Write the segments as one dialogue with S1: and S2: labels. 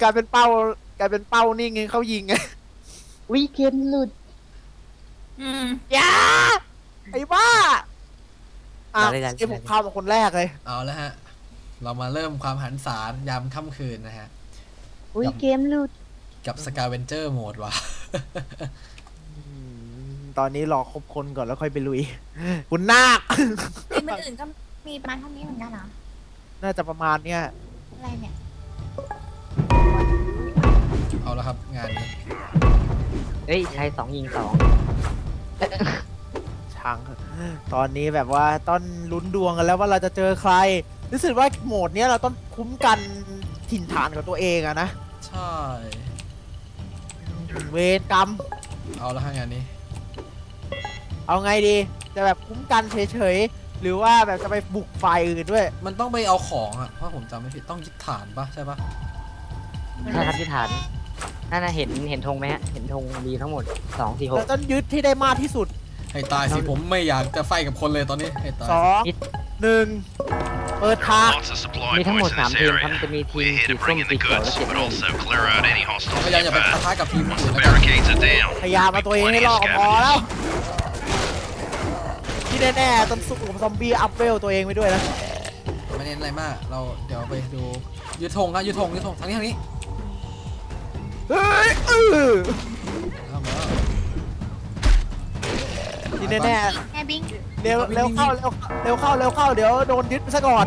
S1: ายเป็นเป้านิ่งเขายิงไง
S2: วิเกมหลุด
S1: อย่าไอ้บ้าไอ้ผมเข้ามาคนแรกเลย
S3: เอาแล้วฮะเรามาเริ่มความหันษายามค่ำคืนนะฮะ
S2: วิเกมหลุด
S3: กับสกาเวนเจอร์โหมดว่ะ
S1: ตอนนี้รอครบคนก่อนแล้วค่อยไปลุยคุณนาค
S4: ทีมอื่นก็มีประมาณเท่านี้เหมือนกันเหรอ
S1: น่าจะประมาณเนี้ย
S4: อะไรเนี่ย
S3: เอาแล้วครับงานนี้
S2: เฮ้ยชาย2 ยิง 2
S1: ช่างตอนนี้แบบว่าต้องลุ้นดวงกันแล้วว่าเราจะเจอใครรู้สึกว่าโหมดนี้เราต้องคุ้มกันถิ่นฐานของตัวเองอะนะ
S3: ใช่
S1: เวรกรรม
S3: เอาแล้วงานนี้
S1: เอาไงดีจะแบบคุ้มกันเฉยๆหรือว่าแบบจะไปบุกไฟอื่นด้วย
S3: มันต้องไปเอาของอ่ะเพราะผมจำไม่ผิดต้องยึดฐานปะใช่ปะ
S2: ใช่ครับยึดฐานนั่นนะเห็นธงไหมฮะเห็นธงมีทั้งหมด2 4 6
S1: เราต้องยึดที่ได้มากที่สุด
S3: ให้ตายสิผมไม่อยากจะไฟกับคนเลยตอนนี้ให้ตาย
S1: 2 1เปิดทาง
S2: มีทั้งหมด3 ทีมครับจะมีทีมสีส้มสีเขียวและ
S3: พยายามอย่าไปปะทะกับทีมอื่น
S1: พยายามมาตัวเองให้รอดพอแล้วที่แน่ๆต้องสู้กับซอมบี้อัพเวลตัวเองไปด้วยนะ
S3: ไม่เน้นอะไรมากเราเดี๋ยวไปดูยึดธงครับยึดธงทางนี้
S1: เฮ้ยที่แน่
S4: ๆบิง
S1: เร็วเข้าเดี๋ยวโดนยึดไปซะก่อน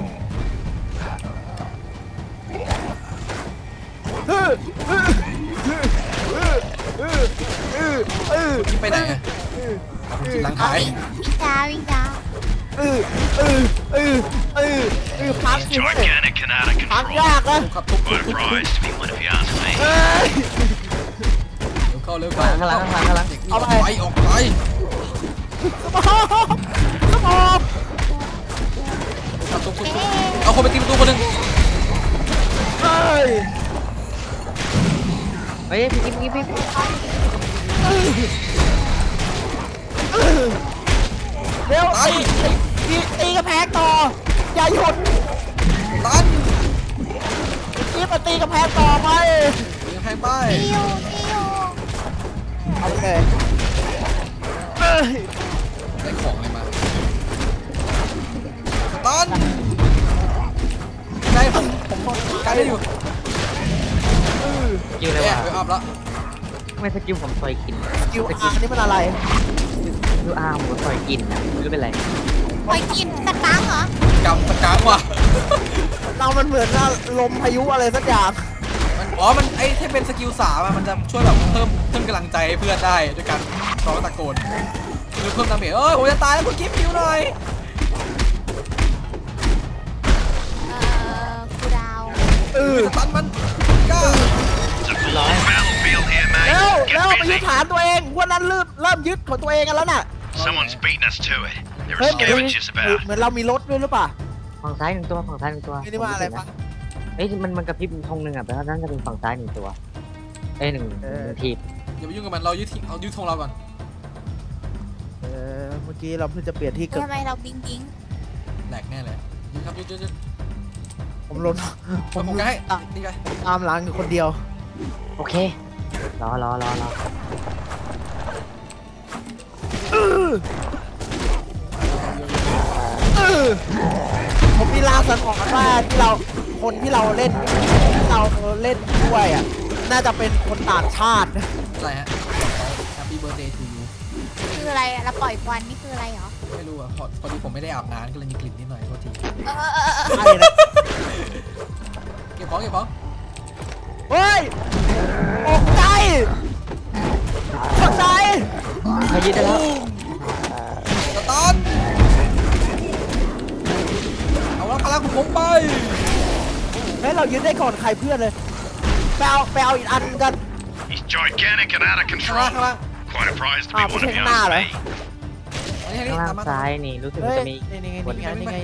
S3: ไปไหนกินหลังหาย
S4: วิ่งจ้า
S1: พักสิพักยากนะ
S3: ทุบเข้าเร็ว
S2: ข้างหลัง
S3: เอาไปออกไป
S1: สมอง
S3: เอาคนไปตีประตูคนหนึ่ง
S2: เฮ้ยพี่
S1: เร็วตีกระแพงต่ออย่าหยุด
S3: ตัน
S1: นี่มาตีกระแพงต่อไป
S3: ตีกระแพงไป
S1: โอเค
S3: ได้ของอะไรมาตันได้ผมการได้อยู่
S2: ยิงเลยว่ะ
S3: อัพแล้ว
S2: ไม่สกิลผมต่อยกิน
S1: สกิลอาร์นี่มันอะไร
S2: ดูอาร์ผมต่อยกินนะไม่รู้เป็นไร
S4: ต่อยกินตะกังเหร
S3: อกำตะกังว่ะ
S1: เรามันเหมือนลมพายุอะไรสักอย่าง
S3: มันไอ้ที่เป็นสกิล3มันจะช่วยแบบเพิ่มกำลังใจให้เพื่อนได้ด้วยการร้องตะโกนหรือเพิ่มดาเมจผมจะตายแล้วคุณกิ๊ฟคิวหน่อย
S4: กูดาว
S3: ตันมันก้า
S1: แล้วไปยึดฐานตัวเองวันนั้นเริ่มยึดของตัวเองกันแล้วน่ะเหมือนเรามีรถด้วยหรือเปล่า
S2: ฝั่งซ้าย1 ตัว
S1: นี่ว่าอะไรปะ
S2: เอ้ยมันกระพริบธงหนึ่งอ่ะแปลว่านั่นจะเป็นฝั่งซ้าย1 ตัว1 ที
S3: อย่าไปยุ่งกับมันเรายึดธงเราก่อน
S1: เมื่อกี้เราเพิ่งจะเปลี่ยนที่เกิด
S4: ทำไมเราบิง
S3: แหลกแน่เลยยึดครับยึด
S1: ผมล้น
S3: ผมจะให้นี่ไง
S1: ตามหลังอยู่คนเดียว
S2: โอเครอ
S1: ผมมีลางสังหรณ์ว่าคนที่เราเล่นด้วยอ่ะน่าจะเป็นคนต่างชาติ
S3: อะไรฮะ Happy Birthday to you
S4: คืออะไรเราปล่อยควันนี่คืออะไรเหรอ
S3: ไม่รู้อ่ะพอดีผมไม่ได้อาบน้ำก็เลยมีกลิ่นนิดหน่อยโทษทีเก็บของ
S1: เฮ้ยตกใจ
S2: เขายึดได้แล้ว
S3: สตันเอาแล้วพลังผมไป
S1: ให้เรายึดได้ก่อนใครเพื่อนเลยไปเอาอีกอันกัน
S3: ไม่
S1: ใช่ข้างหน้าเหรอ
S2: ข้างซ้ายนี่รู้สึกจะมี
S1: นี่ไง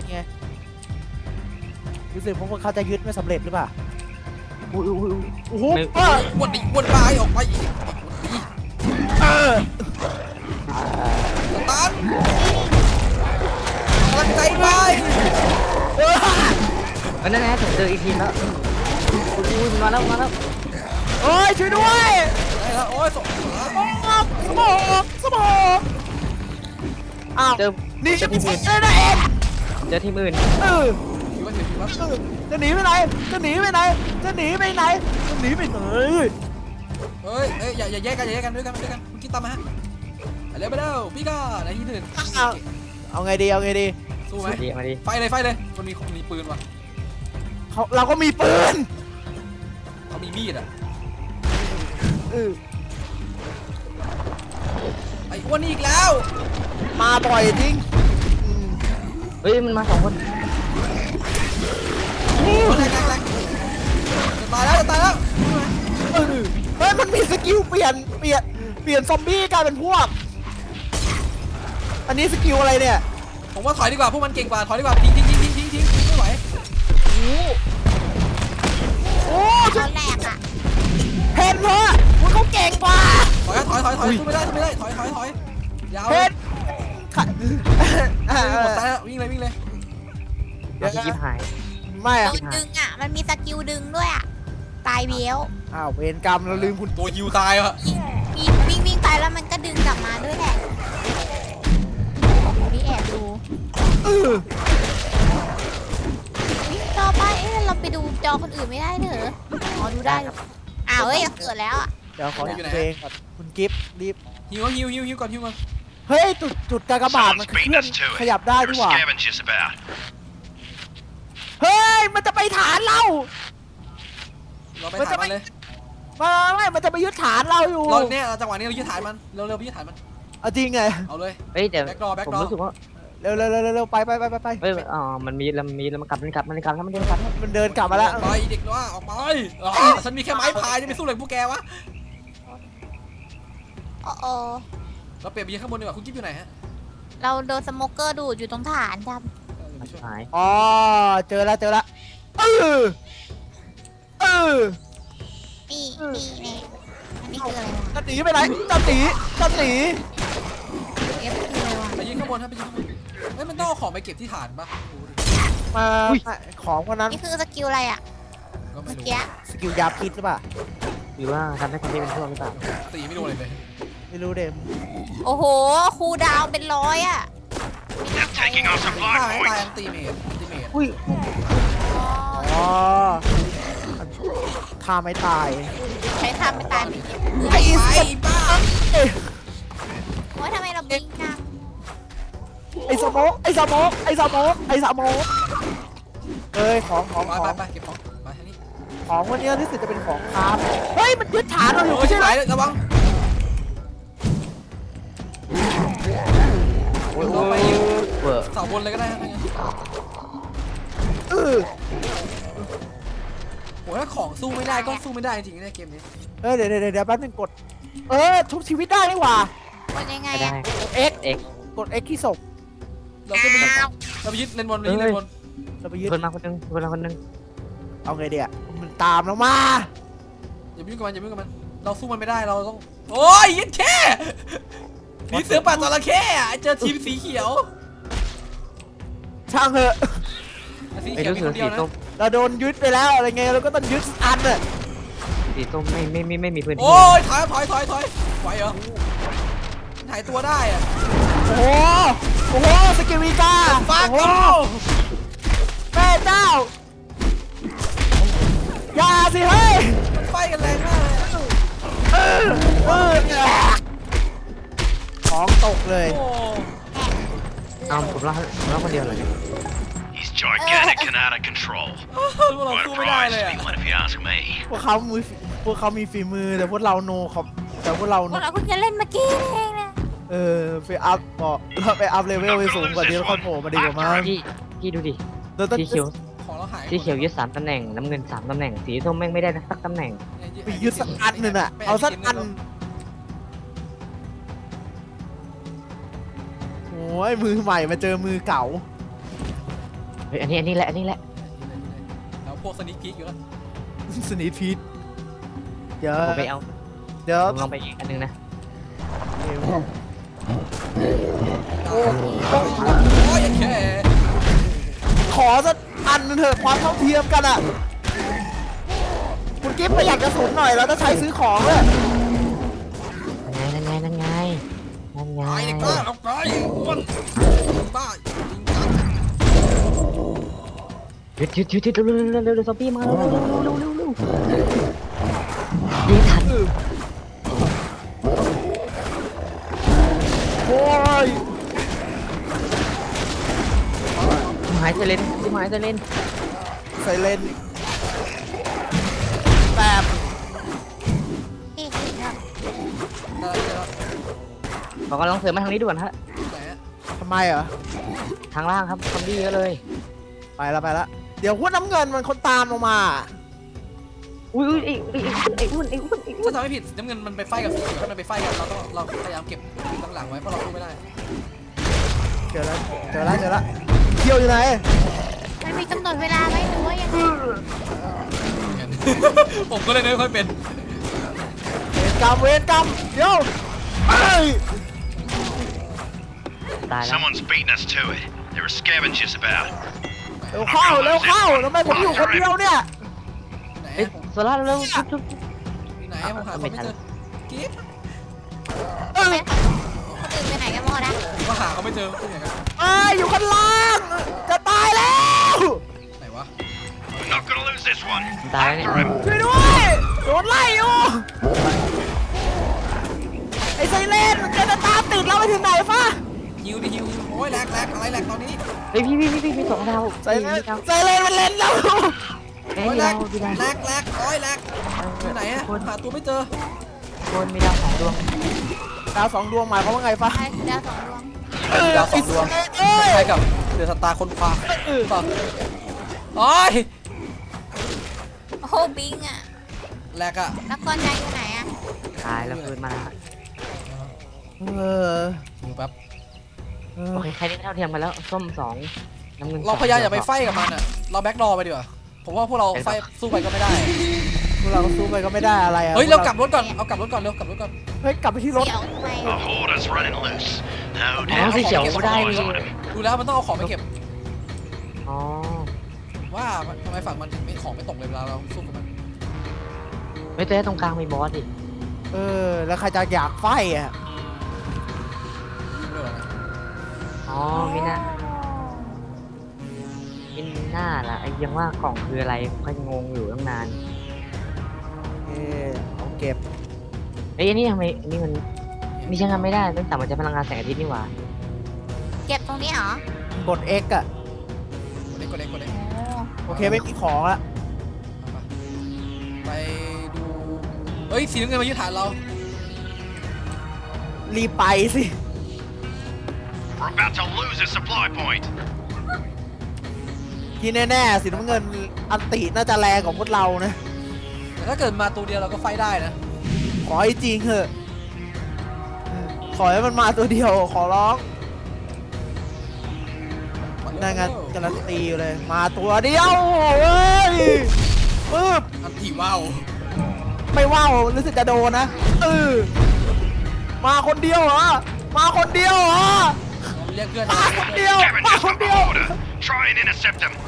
S1: รู้สึกพวกเขาจะยึดไม่สำเร็จหรือเปล่าโอ้โห
S3: วนลายออกไปตันกำลังใจไป
S2: นั่นแหละผมเจออีกทีแล้วมาแล้ว
S1: โอ้ยช่วยด้วย
S3: ได้แล้วโอ้ยส่ง
S1: สมองสมองอ้าว
S2: เจอ
S1: นี่
S2: เจ
S1: จะ
S2: อ
S1: ไม่
S2: ทีม
S1: ใช่
S2: อื่น
S1: เลยนะเอ็น
S2: เจอทีมอื่น
S1: เออ
S3: ถือว่าถือว่า
S1: จะหนีไปไหนจะหนีไปไหนจะหนีไปไหนจะหนีไปไหน
S3: เฮ้ยอย่าแยกกันอย่าแยกกันด้วยกันคุณกิ๊ตตามมาฮะเร็วไปเร็วพี่ก็ในที่หนึ่ง
S1: เอาไงดีเอาไงดี
S3: สู้ไหม
S2: มาดีมาดี
S3: ไฟเลยมันมีปืนว่ะ
S1: เราก็มีปืน
S3: เขามีมีดอ่ะ
S1: เออ
S3: ไอ้อ้วนนี่อีกแล้ว
S1: มาบ่อยจริงอืม
S2: เฮ้ยมันมา2 คน
S3: แรงจะตายแล้ว
S1: เออเฮ้ยมันมีสกิลเปลี่ยนซอมบี้กลายเป็นพวก อันนี้สกิลอะไรเนี่ย
S3: ผมว่าถอยดีกว่าพวกมันเก่งกว่าถอยดีกว่าทิ้งไม่ไหว
S1: โอ้
S4: ตอนแรกอะ
S1: เห็นเหรอมันเขาเก่งกว่า
S3: ถอยสู้ไม่ได้ถอยยาว
S1: เห็นค่ะ
S3: หมดตายแล้ววิ่งเลย
S2: เอาพี่กิ๊บหาย
S1: ไม่
S4: โด
S1: อะ
S4: นดึงอะมันมีสกิลดึงด้วยอะตายเบี้ยว
S1: อ้าวเวรกรรมเราลืมคุณ
S3: ตัวฮิวตายว่ะ
S4: วิ่งไปแล้วมันก็ดึงกลับมาด้วยแหละนี่แอบดู
S1: เออ
S4: วิ่งต่อไปเราไปดูจอคนอื่นไม่ได้เหรออ๋อดูได้อ้าวเฮ้ยเกิดแล้วอะ
S1: เดี๋ยวขอเพลงก่อนคุณกิฟต์รีบ
S3: ฮิวก่อน
S1: เฮ้ยจุดกากบาทมันเคลื่อนขยับได้ดีกว่า เฮ้ยมันจะไปฐานเรา
S3: เราไปถ่ายมันเลย
S1: ไม่มันจะไปยึดฐานเราอยู่
S3: เราเนี่ยจังหวะนี้เรายึดฐานมันเร็วไปยึดฐานมัน
S1: เอาจริงไง
S3: เอาเลย
S2: เฮ้ยแต่
S3: แบ็คดอ
S2: ผมรู้สึกว่า
S1: เร็วไป
S2: เฮ้ยมันมีแล้วมันกลับแล้วมันเดินกลับแล้ว
S1: มันเดินกลับมาแล้ว
S3: ออกไปเด็กว่าออกไปฉันมีแค่ไม้พายจะไปสู้เลยพวกแกวะ
S4: โอ้
S3: เราเปลี่ยนไปยืนข้างบนดีกว่าคุณกิ๊บอยู่ไหนฮะ
S4: เราโดนสโมเกอร์ดูดอยู่ตรงฐานครับ
S2: หาย
S1: อ๋อเจอแล้วเออ
S4: นี่เนี่ยอันนี้คืออะไรวะ
S1: จะหนีไปไหนจะหนี
S4: เอฟคืออะไรวะ
S3: ไปยืนข้างบนครับไปยืนข้างบนเฮ้ยมันต้องเอาของไปเก็บที่ฐานปะ
S1: มาของคนนั้น
S4: นี่คือสกิลอะไรอะ
S3: ก็ไม่
S4: เมื่อ
S3: รู้
S4: กี้
S1: สกิลยาพิษหรือเปล่า
S2: หรือว่าทำให้คนที่เป็นพวกหรือเปล่า
S3: ตีไม่โดนเลย
S1: ไม่รู้เดม
S4: โอ้โหคูลดาวน์เป็น100อะไม่น่าใช่
S3: ตายอันตีเมด
S2: อุ้ย
S1: อ๋อถ้าไม่ตาย
S4: ใช้ทำไม่ตายไม่เจ็บ
S1: ไอ้
S3: ไปบ้า
S4: โอ้ยทำไมเราบิงจัง
S1: ไอ้สโมกเอ้ยของ
S3: ไปเก็บของไปทางนี้
S1: ของวันนี้รู้สึกจะเป็นของคราฟเฮ้ยมันยึดฐานเราอยู่
S3: โอ้ย
S1: ไม่
S3: ชิบ
S1: ใช่
S3: หา
S1: ไหม
S3: ยระวัง
S2: โอ้ย
S3: เราไปยืน
S2: เวอร์
S3: เสาบนเลยก็ได้ฮะ
S1: เออ
S3: โหถ้าของสู้ไม่ได้ก็สู้ไม่ได้จริงๆในเกมนี้
S1: เดี๋ยวแป๊บนึงกดทุบชีวิตได้นี่หว่า
S4: เป็นยังไง
S2: ไม่ได้
S4: อะ
S1: X กด X ที่ศพ
S3: เราก็ไปยึดเราไปยึดเลนบนเลนบน
S1: เราไปยึด
S2: คนมาคนนึง
S1: เอาไงเดียมันตามเรามา
S3: อย่ายุ่งกับมันเราสู้มันไม่ได้เราต้องโอ้ยยึดแค่มีเสือป่าจระเข้เจอทีมสีเขียว
S1: ช่างเถอะ
S3: สี
S2: ไอ้
S3: เขียว
S2: รู้
S3: มี
S2: สึ
S3: ค
S2: ก
S3: นเดียวนะ
S2: สีส้ม
S1: เราโดนยึดไปแล้วอะไรเงี้ยเราก็ต้องยึดอันน่ะ
S2: สีส้มไม่มีพื้นที่
S3: โอ้ยถอยไหวเหรอหายตัวได้อะ
S1: โอ้โหสกิลวีกา
S3: ฟัก
S1: โอ้
S3: โอ้
S1: โหแม่เจ้าอย่าสิเฮ้ย
S3: ไฟกันแรงมากเลย
S1: ของตกเลย
S3: โอ้
S2: เอาผมเล่าคนเดียวเลย
S5: He's gigantic and out of control.
S3: พวกเรา
S5: Quite
S3: สู้
S5: a
S3: ไม่ได้
S5: prize
S3: เลย
S5: to
S3: อะ
S5: be won if you ask me.
S1: พวกเขามีฝีมือแต่พวกเราโนครับแต่พวกเรา
S4: พวกเราเพิ่งจะเล่นเมื่อกี้เองนะ
S1: ไปอัพบอกเราไปอัพเลเวลไปสูงกว่านี้แล้วค่อยโผล่มาดีกว่ามั้ง
S2: พี่ดูดิ
S1: เราต้อง
S2: สีเขียว
S3: ของเราหาย
S2: สีเขียวยึด3 ตำแหน่งน้ำเงิน3 ตำแหน่งสีส้มแม่งไม่ได้สักตำแหน่ง
S1: ไปยึดสักอันหนึ่งอ่ะเอาสักอันโอ้ยมือใหม่มาเจอมือเก่า
S2: เฮ้ยอันนี้แหละ
S3: แล้วพวกสนิคพีกอยู่แล้ว
S1: สนิทพีทเดี๋ยว
S2: ผมไปเอา
S1: เดี๋ยว
S2: ผมลองไปอีกอันนึงนะ
S3: โอ้ยแค่
S1: ขอสักอันหนึงเถอะความเท่าเทียมกันอ่ะคุณกิ๊ฟประหยัดกระสุนหน่อยเราต้องใช้ซื้อของเลย
S2: นั่นไงนั่นไงนั่นไง
S3: ตายเด็กบ้าเอาตายอ้วนบ้าจริงจัง
S2: หยุดเร็วซอมบี้มาเร็วยิงทัน
S1: โอ้ย
S2: หายใจเล่นหายใจเล่น
S1: ใส่เลนแบบ
S4: นี่คือแบบ
S3: ได้แล้ว
S2: ขอกำลังเสริมมาทางนี้ด่วนฮะ
S3: ไหนอะ
S1: ทำไมเหรอ
S2: ทางล่างครับซอมบี้เยอะเลย
S1: ไปละเดี๋ยวหัวน้ำเงินมันคนตามลงมา
S2: อุ้ยไอ้อ้วน
S3: ถ้าจำไม่ผิดน้ำเงินมันไปไฟกับสีเขียวถ้ามันไปไฟกันเราพยายามเก็บตั้งหลังไว้เพราะเราสู้ไม่ได้
S1: เจอแล้วเที่ยวอยู่ไหน
S4: มันมีกำหนดเวลาไหมหรือว่ายังไง
S3: ผมก็เลยไม่ค่อยเป็น
S1: เวรกรรมเดี๋ยวเอ้ย
S2: ตายแล้ว
S5: Someone's beating us to it. There are scavengers about.
S1: เร็วเข้าทำไมผมอยู่คนเดียวเนี่ย
S3: ไหน
S2: เอ้ย
S3: ผม
S2: โซล่าเร็วชุบ
S3: ไหนผมหาคนไม่เจอกิ๊บ
S4: คนอื่นไปไหนกันหมดนะ
S3: ผมก็หาเขาไม่เจอที่ไหนกัน
S1: อยู่ข้างล่างจะตายแล้ว
S3: ไหนวะ
S5: We're not gonna lose this one.
S2: ตายแล้วเนี่ย
S1: ช่วยด้วยโดนไล่อยู่ไอ้ไซเรนมันจะตามติดเราไปถึงไหนฟะ
S3: ฮิวโอ้ยแหลกอะไรแหลกตอนนี้
S2: เฮ้ยพี่สองดาว
S1: ไซเรนมันเล่นเรา
S2: เฮ้ย
S3: โอ้ย
S2: มี
S3: แหล
S2: ดาก วมีดาว
S3: โอ้ยแหลกอยู่ไหนอะหาตัวไม่เจอ
S2: คนมีดาว2 ดวง
S1: ดาว2 ดวงหมายความว่าไงฟะ
S4: ใช่คือดาวสองดวง
S3: ดาว2 ดวง
S1: เอ้ย
S3: ใช่กับเดือดสตาร์คนควาป่ะโอ้ย
S4: โอ้โหบิงอ่ะ
S3: แหลกอะ
S4: แล้วก้อนใหญ่อยู่ไหนอ่ะ
S2: ตายแล้วคืนมา
S1: เออ
S3: อยู่แป๊บ
S2: โอเคใครได้เท่าเทียมกันแล้วส้ม2น้ำเงิน
S3: เราพยายามอย่าไปไฟกับมันอะเราแบ็กดอไปดีกว่าผมว่าพวกเราไฟสู้ไปก็ไม่ได้
S1: พวกเราก็สู้ไปก็ไม่ได้อะไรอะ
S3: เฮ้ยเรากลับรถก่อนเอากลับรถก่อนเร็วกลับรถก่อน
S1: เฮ้ยกลับไปที่รถ
S4: เดี๋ยวทำไม
S5: A horde's running loose. No
S2: อ๋อ
S5: doubt.
S2: สีเขียวได้
S5: All
S2: นี่
S5: eyes on him.
S3: ดูแล้วมันต้องเอาของไปเก็บ
S2: อ๋อ
S3: ว่าทำไมฝั่งมันถึงไม่ของไม่ตกเลยเวลาเราสู้กับมัน
S2: ไม่แต่ตรงกลางมีบอสดิ
S1: แล้วใครจะอยากไฟอ่ะ
S3: เรื่องอะไรนะ
S2: อ๋อมิน่าล่ะไอ้ยังว่ากล่องคืออะไรก็งงอยู่ตั้งนาน
S1: เอาเก็บ
S2: เอ้ยอันนี้ทำไมอันนี้มันใช้งานไม่ได้ตั้งแต่มันจะพลังงานแสงอาทิตย์นี่หว่า
S4: เก็บตรงนี้เหรอก
S1: ด X อ่ะ
S3: กดเล็ก
S4: โอ้
S1: โอเคไม่มีของละ
S3: ไปดูเฮ้ยสีน้ำเงินมายึดฐานเรา
S1: รีบไปสิ
S5: We're about to lose a supply point.
S1: ที่แน่ๆสีน้ำเงินอันติน่าจะแรงกว่าพวกเรานะ
S3: แต่ถ้าเกิดมาตัวเดียวเราก็ไฟได้นะ
S1: ขอให้จริงเถอะขอให้มันมาตัวเดียวขอร้องนั่นไงการันตีอยู่เลยมาตัวเดียวเว้ยปึ๊บ
S3: อันถี่ว้าว
S1: ไม่ว่าวรู้สึกจะโดนนะมาคนเดียวเหรอมาคนเดียวเหรอ
S3: เรียกเพื่อน
S1: มาคนเดียวมา
S5: Scavengers
S1: คน
S5: from
S1: เดี
S5: a
S1: ยว
S5: horde. Try and intercept them.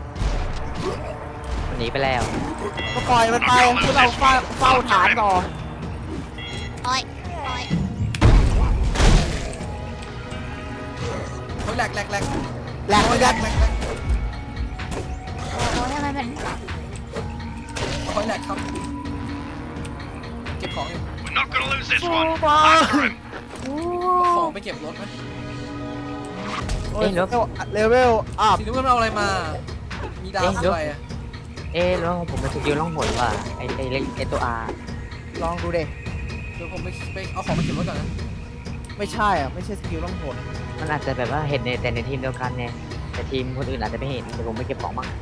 S2: หนีไปแล้ว
S1: ก็ปล่อยมันไปพวกเราเฝ้าฐานต่อ
S4: โอ้ย
S3: เฮ้ยแหลก
S1: แหลกเหมือนกัน
S4: โอ้โหทำไมมัน
S3: เฮ้ยแหลกครับเก็บของอยู่
S5: We're not gonna lose this
S1: สู้
S5: one.
S1: มา
S5: After him.
S4: โอ้
S3: ของไปเก็บรถไหม
S1: เลเวลอัพ
S3: สีน้ำเงินเอาอะไรมา มีดาวอะไรอะ
S2: แล้วของผมมันสกิลล่องหนว่ะไอ้ตัว R
S1: ลองดูเด็
S3: เดี๋ยวผมไปเอาของไปเก็บรถก่อนนะ
S1: ไม่ใช่อ่ะไม่ใช่สกิลต้องผล
S2: มันอาจจะแบบว่าเห็นแต่ในทีมเดียวกันไงแต่ทีมคนอื่นอาจจะไม่เห็นเดี๋ยวผมไปเก็บของบ้าง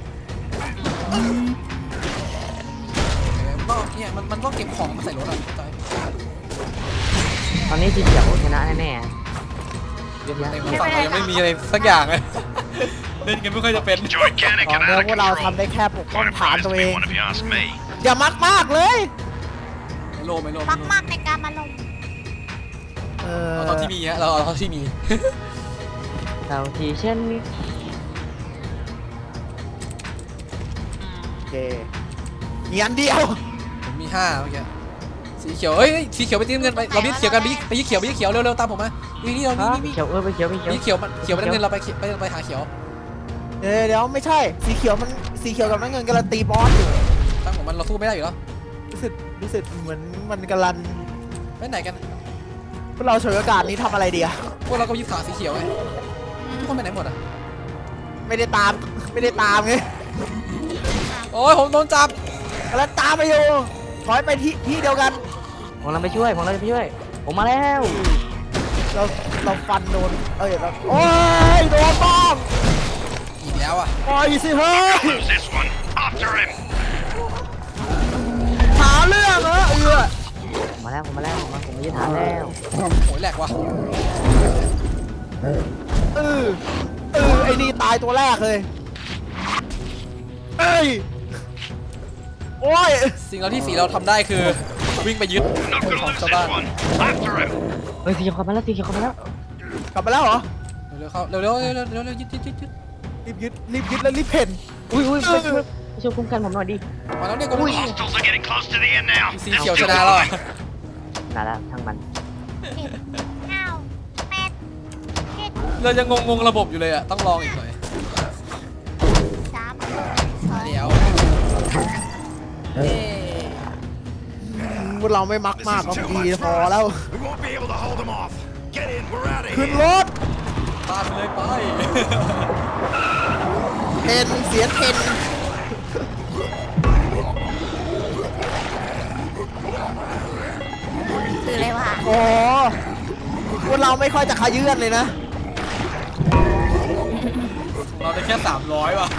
S3: มันต้องเก็บของมาใส่รถอ่ะเข้าใจ
S2: ตอนนี้สีเขียวชนะแน่ๆเยอะแยะ
S3: ในฝั่งเรายังไม่มีอะไรสักอย่างเลยเล่นกันไม่ค่อยจะเป็น
S5: Gigantic
S1: ตอน
S5: and
S1: นี้
S5: out of
S1: พวกเรา
S5: control.
S1: ทำได้แค่ปกป้อง
S5: Quite a
S1: ฐาน
S5: prize
S1: ตัว
S5: to
S1: เอ
S5: be
S1: ง
S5: one if you ask me.
S1: อย่ามักมากเลย
S3: ไม่โล
S4: มากๆในการมาลง
S3: เอาตอนที่มีฮะเราเอาตอนที่มี
S2: เท่าที่ฉันมี
S1: โอเคมีอันเดียว
S3: ผมมี5เมื่อกี้สีเขียวเอ้ยสีเขียวไปตีน้ำเงินไปเราบีเขียวกันไปยี่เขียวเร็วๆตามผมมานี่เรานี่
S2: เขียวไปเขียวไปเขียว
S3: นี่เขียวไปน้ำเงินเราไปหาเขียว
S1: เดี๋ยวไม่ใช่สีเขียวกับน้ำเงินกำลังตีบอสอยู่
S3: ตั้งของมันเราสู้ไม่ได้อยู่แล้ว
S1: รู้สึกเหมือนมันกำลัง
S3: ไปไหนกัน
S1: พวกเราฉวยโอกาสนี้ทำอะไรดีอะ
S3: พวกเราก็ยึดขาสีเขียวไงทุกคนไปไหนหมดอ่ะ
S1: ไม่ได้ตามไง
S3: โอ้ยผมโดนจับ
S1: กำลังตามไปอยู่ถอยไปที่เดียวกัน
S2: ผมเราไปช่วยผมมาแล้ว
S1: เราฟันโดนเราโอ้ยโดนบ้อง
S3: อีกแล้วอ่ะ
S1: ปล่อยสิเฮ้ย
S5: Lose this one. After him.
S1: หาเรื่องเหรอ
S2: ผมมาแล้วผมไม่ยึดฐานแล้ว
S3: โหยแหลกว่ะ
S1: ไอ้นี่ตายตัวแรกเลยโอ้ย
S3: สิ่งเราที่สีเราทำได้คือวิ่งไปยึด
S5: Not
S3: ข
S5: gonna
S3: อง
S5: lose
S3: ชาว
S5: this
S3: บ้าน
S5: one. After him.
S2: เฮ้ยสีเขียวเข้ามาแล้ว
S1: กลับมาแล้วเหรอ
S3: เร็วเข้าเร็วยึด
S1: รีบยึดแล้วรีบเพ่น
S2: อุ้ยไปช่วยคุ้มกันผมหน่อยดิ
S3: มาแล้วเนี่ยกู
S5: Hostiles are getting close to the end now.
S3: สี
S5: They'll
S3: เขียวช
S5: still
S3: นะ
S5: be
S3: แล้ว
S5: alive.
S2: ได้แล้วทั้งมัน
S3: เรายังงงระบบอยู่เลยอ่ะต้องลองอีกหน่อยเดี๋ยว
S1: พวกเราไม่มักมากก็ดีพอแล้ว
S5: We won't be able to hold them off. Get in. We're out of
S1: ขึ้น
S5: here.
S1: รถ
S3: ตามไปเลยไป
S1: เพ่นเสียงเพ่น
S4: คืออะไรวะ
S1: โอ้พวกเราไม่ค่อยจะขยื่นเลยนะ
S3: เราได้แค่300ว่ะ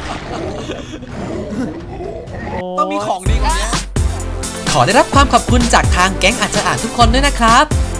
S3: ต้องมีของดีกว่านี้
S6: ขอได้รับความขอบคุณจากทางแก๊งอาจจะอ่านทุกคนด้วยนะครับ